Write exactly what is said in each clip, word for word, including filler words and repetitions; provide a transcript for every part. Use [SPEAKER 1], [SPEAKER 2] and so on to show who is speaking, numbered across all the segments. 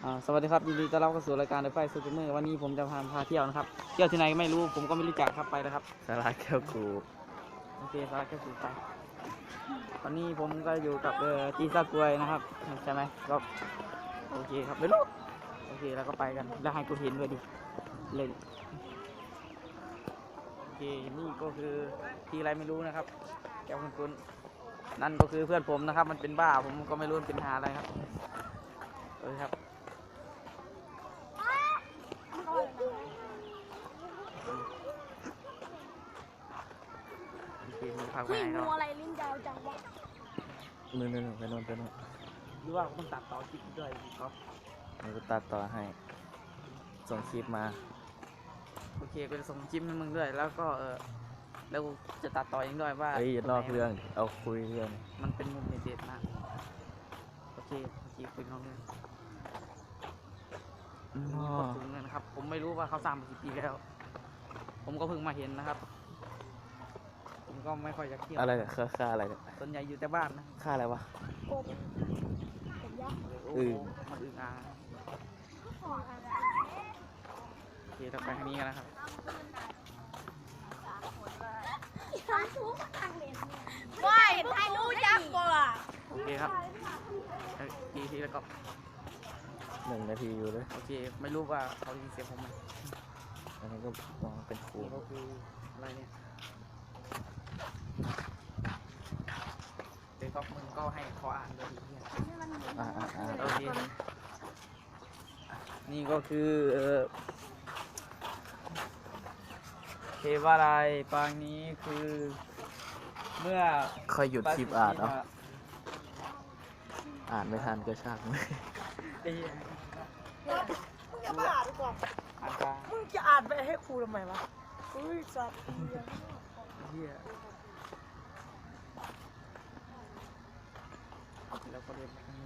[SPEAKER 1] อ่าสวัสดีครับยินดีต้อนรับเข้าสู่รายการเดอะไฟซูเปอร์เมอร์วันนี้ผมจะพาพาเที่ยวนะครับเที่ยวที่ไหนไม่รู้ผมก็ไม่รู้จักครับไปเลยครับ
[SPEAKER 2] สาราแก้วกู
[SPEAKER 1] โอเคสาระแค่สื่อไปวันนี้ผมก็อยู่กับเอ่อจีซ่ากวยนะครับใช่ไหมก็โอเคครับไม่รู้โอเคแล้วก็ไปกันแล้วให้กูเห็นด้วยดิเล่นโอเคนี่ก็คือที่อะไรไม่รู้นะครับแก้วคุณคุณนั่นก็คือเพื่อนผมนะครับมันเป็นบ้าผมก็ไม่รู้มันเป็นหาอะไรครับเออครับพาไป
[SPEAKER 3] เฮ้ย
[SPEAKER 1] ไหน
[SPEAKER 3] งู
[SPEAKER 1] เนาะ
[SPEAKER 3] อะไรลิ้นยาวจังวะ
[SPEAKER 2] นู่นนู่นไปนู่นไปนู่น
[SPEAKER 1] หรือว่าต้องตัดต่อคลิปด้วยครับ
[SPEAKER 2] นี่กูตัดต่อให้ ส่งคลิปมา
[SPEAKER 1] โอเคกูจะส่งคลิปให้มึงด้วยแล้วก็เออแล้วกูจะตัดต่อเองด้วยว่า
[SPEAKER 2] เฮ้ยอย่านอกเรื่อง เอาคุยเรื่อง
[SPEAKER 1] มันเป็นมุมเด็ดๆมากโอเคโอเคคุยน้องเรื่อง
[SPEAKER 2] อ๋
[SPEAKER 1] มี
[SPEAKER 2] อ
[SPEAKER 1] คนสูงเลยนะครับผมไม่รู้ว่าเขาสร้างมากี่ปีแล้วผมก็เพิ่งมาเห็นนะครับผมก็ไม่ค่อยอยากเที่ยว
[SPEAKER 2] อะไรเนี่ยค่าค่าอะไรเนี่ย
[SPEAKER 1] ส่วนใหญ่อยู่แต่บ้านนะ
[SPEAKER 2] ค่าอะไรวะ
[SPEAKER 3] กบกบยักษ์
[SPEAKER 1] โอ้
[SPEAKER 2] อื
[SPEAKER 1] โห
[SPEAKER 2] ม
[SPEAKER 1] มันอึ่งอ่างโอเคเราไปทางนี้กันนะครับ
[SPEAKER 3] ว้ายไทยรู้ยักษ์บ่ล่ะ
[SPEAKER 1] โอเคครับทีทีแล้วก็
[SPEAKER 2] หนึ่งนาทีอยู่เลย
[SPEAKER 1] โอเคไม่รู้ว่าเขายินเสียงผมไหม
[SPEAKER 2] อันนี้ก็มองเป็นครู
[SPEAKER 1] นี่ก็คืออะไรเนี่ยเดี๋ยวก็มึงก็ให้เขาอ่านด้วยดิเนี่ย
[SPEAKER 2] อ่าอ่าอ่า
[SPEAKER 1] โอเคนี่ก็คือเอ่อเทวาลัยปางนี้คือเมื่อ
[SPEAKER 2] ค่อยหยุดคลิปอ่านเอาอ่านไม่ทันก็ช่าง
[SPEAKER 1] ไอ้เหี้ย
[SPEAKER 3] มึงจะมาอ่านดีกว่า
[SPEAKER 1] อ่านกลาง
[SPEAKER 3] มึงจะอ่านไปให้ครูทำไมวะอุ้ยสัตว์
[SPEAKER 1] เหี้ยแล้วก็เรียนไปทางนี้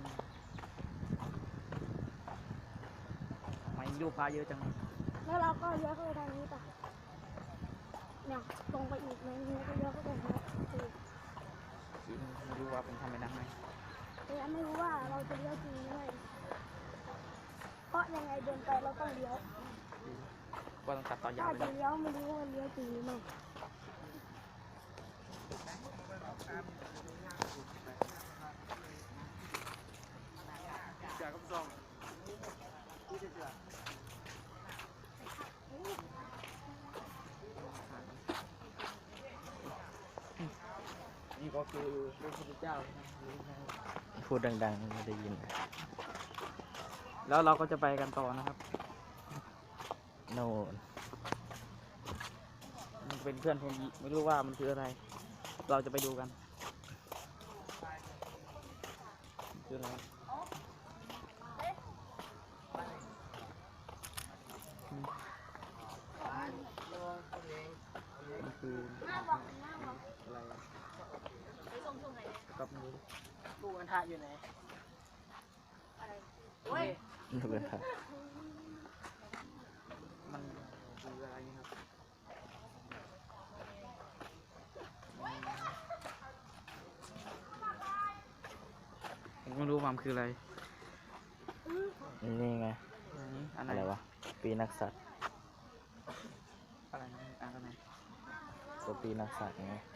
[SPEAKER 1] ทำไมรูปพระเยอะจัง
[SPEAKER 3] แล้วเราก็เลี้ยวเข้าไปทางนี้ป่ะเนี่ยตรงไปอีกไหมนี่ก็เลี้ยวเข้าไปทางนี้
[SPEAKER 1] จริงไม่รู้ว่าผมทำไปได้ไหม
[SPEAKER 3] แต่ยังไม่รู้ว่าเราจะเลี้ยวจริงหรือไม่เพราะยังไงเดินไปเราต้องเลี้ยว
[SPEAKER 1] ว่าต้องตัดต่อยา
[SPEAKER 3] ถ้าว
[SPEAKER 1] ไป
[SPEAKER 3] จะ
[SPEAKER 1] เลย
[SPEAKER 3] เลี้ยวไม่รู้ว่าเลี้ยวจริงหรือไม่
[SPEAKER 1] จากกับซองนี่ก็คือพระพุทธเจ้านะ
[SPEAKER 2] พูดดังๆไม่ได้ยิน
[SPEAKER 1] แล้วเราก็จะไปกันต่อนะครับ
[SPEAKER 2] โน่น
[SPEAKER 1] มันเป็นเพื่อนผมไม่รู้ว่ามันคืออะไร เราจะไปดูกันคืออะไรอืมมันคืออะไรกับมือ
[SPEAKER 3] กูกันทะอยู่ไหน
[SPEAKER 2] ดูเลยครับ
[SPEAKER 1] มันคืออะไรนี่ครับผมไม่รู้ว่ามันคืออะไร
[SPEAKER 2] นี่ไง
[SPEAKER 1] อันนี้อันไหน
[SPEAKER 2] อะไรวะ ปีนักสัตว์
[SPEAKER 1] อะไรนะอ่านกันไหน
[SPEAKER 2] ตัวปีนักสัตว์ไง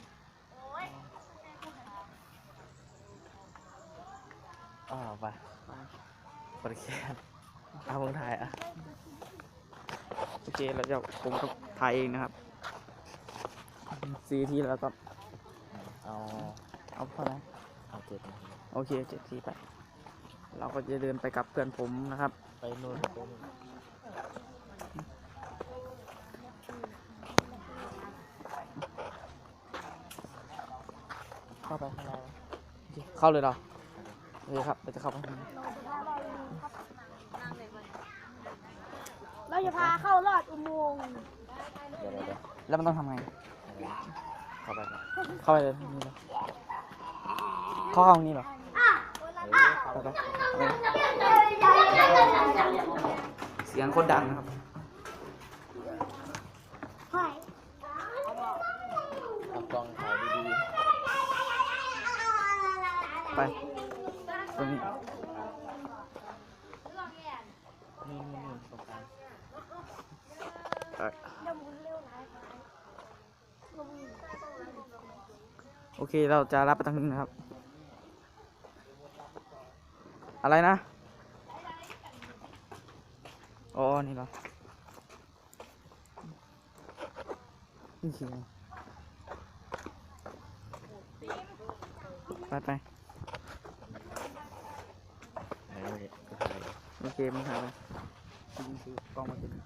[SPEAKER 2] อ๋อไป
[SPEAKER 1] ไป
[SPEAKER 2] ปริแคนเอามึงถ่ายอ่ะ
[SPEAKER 1] โอเคแล้วเดี๋ยวผมก็ถ่ายเองนะครับสี่ทีแล้วก็
[SPEAKER 2] เอา
[SPEAKER 1] เอาเท่าไหร่
[SPEAKER 2] เอาเจ็ดนาที
[SPEAKER 1] โอเคเจ็ดทีไป เราก็จะเดินไปกับเพื่อนผมนะครับ
[SPEAKER 2] ไปนู่นไปนู่น
[SPEAKER 1] เข้าไปข้างในโอเคเข้าเลยเหรอโอเคครับเราจะเข้าไปข้างใน
[SPEAKER 3] เราจะพาเข้ารอดอุโมงค์
[SPEAKER 2] เดี๋ยวเดี๋ยวเดี๋ยว
[SPEAKER 1] แล้วมันต้องทำไง
[SPEAKER 2] เข้าไปก่อน
[SPEAKER 1] เข้าไปเลยนี่เลยเข้าห้องนี้เหรอ
[SPEAKER 2] เฮ้ยเข้า
[SPEAKER 1] ไป
[SPEAKER 2] ไป
[SPEAKER 1] ไปเสียงโคตรดังนะครับ
[SPEAKER 3] ใช่
[SPEAKER 2] เอากล้องถ่ายดี
[SPEAKER 1] ไปตรงนี้โอเคเราจะรับไปทางนึงนะครับ อะไรนะ อ๋อ นี่เหรอ นี่คืออะไรไปไป
[SPEAKER 2] ไหนไม่ได้ก็ถ่าย
[SPEAKER 1] โอเคมึงถ่ายไปยิงคือกล้องมาถึง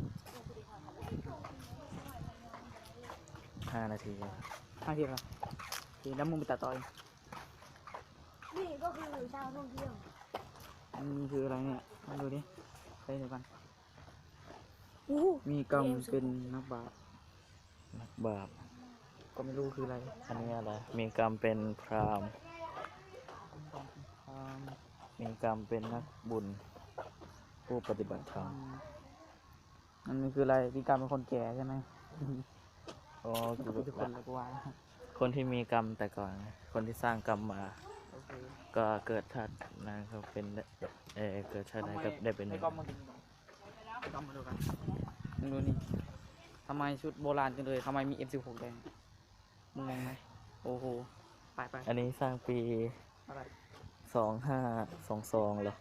[SPEAKER 2] ห้านาที
[SPEAKER 1] ห้าทีแล้วโอเคแล้วมึงไปตัดต่อเอง
[SPEAKER 3] นี่ก็คือชาวท่องเที่ยว
[SPEAKER 1] อันนี้คืออะไรเนี่ยมาดูดิไปเดี๋ยวกัน
[SPEAKER 3] อู้
[SPEAKER 1] มีกรรมเป็นนักบาป
[SPEAKER 2] นักบาป
[SPEAKER 1] ก็ไม่รู้คืออะไร
[SPEAKER 2] อันนี้อะไรมีกรรมเป็นพราหมณ์
[SPEAKER 1] อืม
[SPEAKER 2] มีกรรมเป็นนักบุญ ผู้ปฏิบัติธรรม
[SPEAKER 1] มันมีคืออะไรมีกรรมเป็นคนแก่ใช่ไหม
[SPEAKER 2] อ๋อ
[SPEAKER 1] ทุ
[SPEAKER 2] คื
[SPEAKER 1] ก
[SPEAKER 2] อ
[SPEAKER 1] คนเลยกูว่า
[SPEAKER 2] คนที่มีกรรมแต่ก่อนไงคนที่สร้างกรรมมา
[SPEAKER 1] โอเค
[SPEAKER 2] ก็เกิดชาตินั้นเขาเป็นได้เออเกิดชาติใดก็ได้เป็นห
[SPEAKER 1] ใน
[SPEAKER 2] นึ่ง
[SPEAKER 1] กล้องมาดูกล้องมาดูกันมึงดูนี่ทำไมชุดโบราณจังเลยทำไมมี เอ็ม สิบหก แดงมึงงงไหมโอ้โหไปไป
[SPEAKER 2] อันนี้สร้างปี
[SPEAKER 1] อะไร
[SPEAKER 2] สองห้าสองสองเหรอ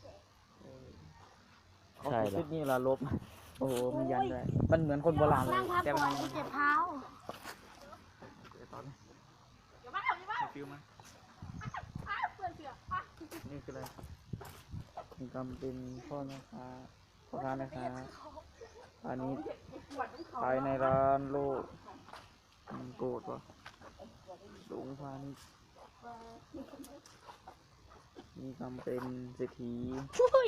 [SPEAKER 2] ใช่เหรอ
[SPEAKER 1] ชุดนี้ละลบ โอ้โหมันยันด้วยมันเหมือนคนโบราณเลย
[SPEAKER 3] นั่งพัก
[SPEAKER 1] แต่
[SPEAKER 3] ก่
[SPEAKER 1] มั
[SPEAKER 3] อน
[SPEAKER 1] น
[SPEAKER 3] เจ็บเท้า
[SPEAKER 1] ตอนนี้ฟิวมานี่คืออะไรมีกรรมเป็นพ่อแม่ค้าพ่อค้าแม่ค้าอันนี้ขายในร้านโลกมันโกรธวะหลงพาณิชย์มีกรรมเป็นเศรษฐี
[SPEAKER 3] ช่วย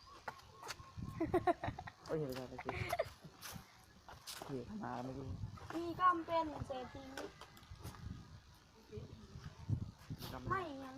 [SPEAKER 1] เอ้ยเห็นอะไรสิเหี้ยมาไม่รู้
[SPEAKER 3] มีกรรมเป็นเศรษฐี
[SPEAKER 1] กรรม
[SPEAKER 3] ไม่ยัง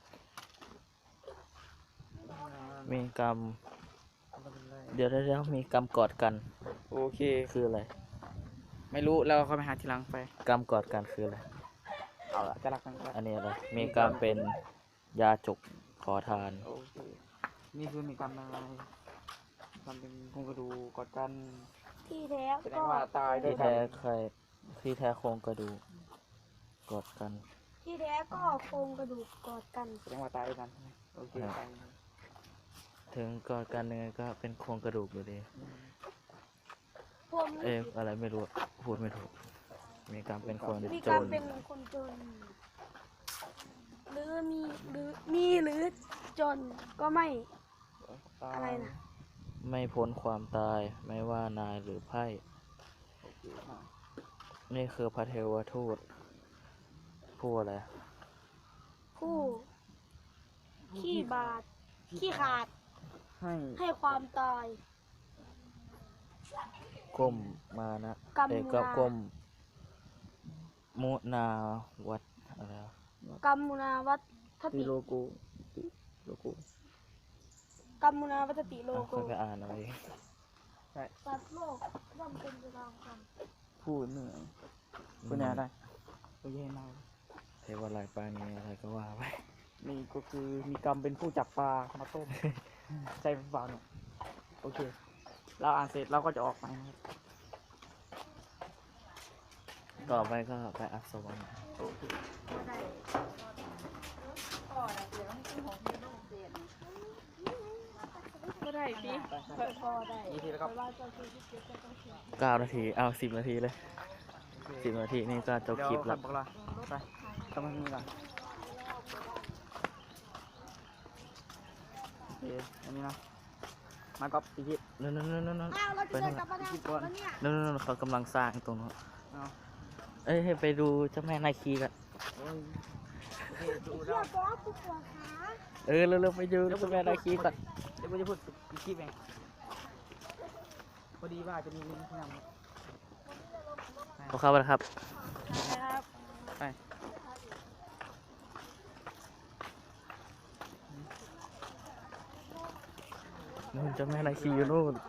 [SPEAKER 2] มีกรรม
[SPEAKER 1] เป็นอะไร
[SPEAKER 2] เดี๋ยวเดี๋ยวเดี๋ยวมีกรรมกอดกัน
[SPEAKER 1] โอเค
[SPEAKER 2] คืออะไร
[SPEAKER 1] ไม่รู้แล้วค่อยไปหาทีหลังไป
[SPEAKER 2] กรรมกอดกันคืออะไร
[SPEAKER 1] เอาละจะรักกันก็ได้
[SPEAKER 2] อันนี้อะไรมีกรรมเป็นยาจกขอทาน
[SPEAKER 1] โอเคนี่คือมีกรรมอะไรกรรมเป็นโครงกระดูกกอดกัน
[SPEAKER 3] ที่แท้
[SPEAKER 1] แสด
[SPEAKER 3] ก็
[SPEAKER 1] งว่าตายด้ว
[SPEAKER 2] ที่
[SPEAKER 1] ย
[SPEAKER 2] แท้ใครที่แท้โครงกระดูกกอดกัน
[SPEAKER 3] ที่แท้ก็โครงกระดูกกอดกัน
[SPEAKER 1] แสดงว่าตายด้วยกันใช่ไหมโอเค
[SPEAKER 2] ครับ
[SPEAKER 1] ตาย
[SPEAKER 2] ถึงกอดกันยังไงก็เป็นโครงกระดูกอยู่ดี
[SPEAKER 3] พวก
[SPEAKER 2] เอ๊ะ
[SPEAKER 3] นี้
[SPEAKER 2] อะไรไม่รู้พูดไม่ถูก มีกรรมเป็นคน
[SPEAKER 3] มี
[SPEAKER 2] จ
[SPEAKER 3] กรรม
[SPEAKER 2] น
[SPEAKER 3] เป็นคนจน หรือมีหรือมีหรือจนก็ไม่
[SPEAKER 1] ตาย
[SPEAKER 3] อะไรนะ
[SPEAKER 2] ไม่พ้นความตายไม่ว่านายหรือไพ่
[SPEAKER 1] โอเคมา
[SPEAKER 2] นี่คือพระเทวทูตผู้อะไร
[SPEAKER 3] ผู้ขี้บาดขี้ขาด
[SPEAKER 1] ให้
[SPEAKER 3] ให้ความตาย
[SPEAKER 2] ก้มมานะ
[SPEAKER 3] กรรม
[SPEAKER 2] เอก
[SPEAKER 3] มุ
[SPEAKER 2] ก็
[SPEAKER 3] นา
[SPEAKER 2] ก้มมุนาวัดอะไรวะ
[SPEAKER 3] กรรมมุนาวัต
[SPEAKER 1] ตี
[SPEAKER 3] ติ
[SPEAKER 1] โลโก้ติโลโก้
[SPEAKER 3] กรรมมุนาวัตติโล
[SPEAKER 2] อ่ะ
[SPEAKER 3] โก
[SPEAKER 2] ค่อยไปอ่านเอาเอง
[SPEAKER 3] สัตว์โลกย่อมเป็นไปตามกรรม
[SPEAKER 1] พูดเหนื่อยพูดเนี่ยได้โอเคมา
[SPEAKER 2] เทวาลายปานีอะไรก็ว่าไป
[SPEAKER 1] นี่ก็คือมีกรรมเป็นผู้จับปลามาต้ม ใช่เปล่าเนี่ยโอเค เราอ่านเสร็จเราก็จะออกไปนะครับ
[SPEAKER 2] ต่อไปก็ไปอัศวรรษ
[SPEAKER 1] โอเค
[SPEAKER 3] ก็ได้ดิ
[SPEAKER 1] ไปไป
[SPEAKER 3] พอได้
[SPEAKER 1] อีกทีแล้วครับ
[SPEAKER 3] แต่ว่าเจ้าคือที่เก็บก็ต้องเขียน
[SPEAKER 2] เก้านาที เอาสิบนาทีเลยสิบนาทีนี่ก็จบคลิป
[SPEAKER 1] แล้
[SPEAKER 2] แล้ว ว
[SPEAKER 1] บอกลาไปทำมันนี่ก่อนโอเคอันนี้นะมาก๊อปอีกที
[SPEAKER 2] นั่นนั่นนั่นนั่น
[SPEAKER 3] อ้าวเรา
[SPEAKER 2] ไป
[SPEAKER 3] จะเดิ
[SPEAKER 2] นั่
[SPEAKER 3] น
[SPEAKER 2] น
[SPEAKER 3] กลับมาทาง
[SPEAKER 1] คิด
[SPEAKER 3] ก่
[SPEAKER 1] ก่
[SPEAKER 3] อ
[SPEAKER 1] อน น
[SPEAKER 3] แล้วเนี่ย
[SPEAKER 2] นั่นนั่นนั่นเขากำลังสร้างตรงนู้น
[SPEAKER 1] เอา
[SPEAKER 2] เอ้ยให้ไปดูเจ้าแม่นาคีกัน
[SPEAKER 1] โอ้ยโอเคดู
[SPEAKER 3] เชื่
[SPEAKER 1] แล้
[SPEAKER 3] อ
[SPEAKER 1] ว
[SPEAKER 3] ป๊อปปวดขา
[SPEAKER 2] เออเร็วๆไปดูเจ้าแม่นาคีก่อน
[SPEAKER 1] เดี๋ยวผมจะพูดอีกคลิปเองพอดีว่าจะมีลิงก์ที่นำ
[SPEAKER 2] ขอเข้าไปนะครับ
[SPEAKER 3] นะครับ
[SPEAKER 1] ไป
[SPEAKER 2] นู่นเจ้าแม่นาคีอยู่นู่น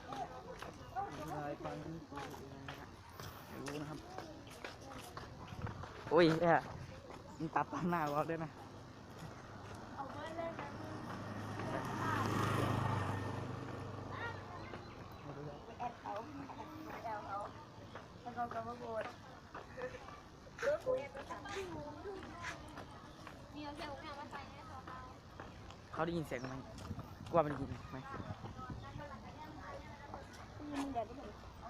[SPEAKER 1] รู้นะครับโอ้ยแย่มันตัดตามหน้าเราด้วยนะ
[SPEAKER 3] เอาไว้เล่นกันแอดเอาแอดเอาแล้วก็กำมาโกรธ
[SPEAKER 1] เขาได้ยินเสียงไหมกว่ามันได้ยินไหม
[SPEAKER 3] มึงเดี๋ยวได้ไหม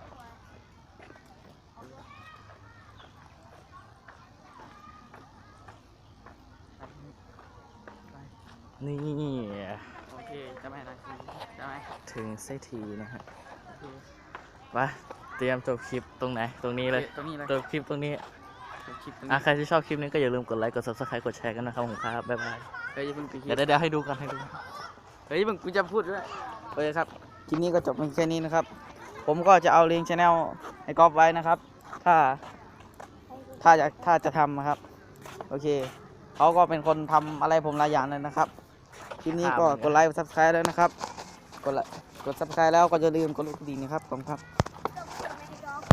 [SPEAKER 2] นี่
[SPEAKER 1] โอเคจะไม่อะไรจะไหม
[SPEAKER 2] ถึงสักทีนะฮะ
[SPEAKER 1] โอเค
[SPEAKER 2] ไปเตรียมจบคลิปตรงไหนตรงนี้เลย
[SPEAKER 1] ตรงนี้เลย
[SPEAKER 2] จบคลิปตรงนี้
[SPEAKER 1] คลิปตรง
[SPEAKER 2] อ่ะ
[SPEAKER 1] นี้
[SPEAKER 2] ใครที่ชอบคลิปนี้ก็อย่าลืมกดไลค์กด ซับสไครบ์ กดแชร์กันนะครับผมครับบ๊ายบาย
[SPEAKER 1] เฮ้ยอย่าเพิ่งปิดคลิ
[SPEAKER 2] เดี๋ย
[SPEAKER 1] ป
[SPEAKER 2] วเดี๋ยวให้ดูกันให้ดู
[SPEAKER 1] เฮ้ยมึงกูจะพูดด้วยโอเคครับคลิปนี้ก็จบเพียงแค่นี้นะครับ ผมก็จะเอาลิงก์ชาแนลให้กอล์ฟไว้นะครับ ถ้าถ้าจะถ้าจะทำนะครับโอเคเขาก็เป็นคนทำอะไรผมหลายอย่างเลยนะครับคลิปนี้ก็กดไลค์กดซับสไครต์แล้วนะครับกดไลค์กดซับสไครต์แล้วก็อย่าลืมกดลูกกระดิ่งนะครับขอบคุณครับ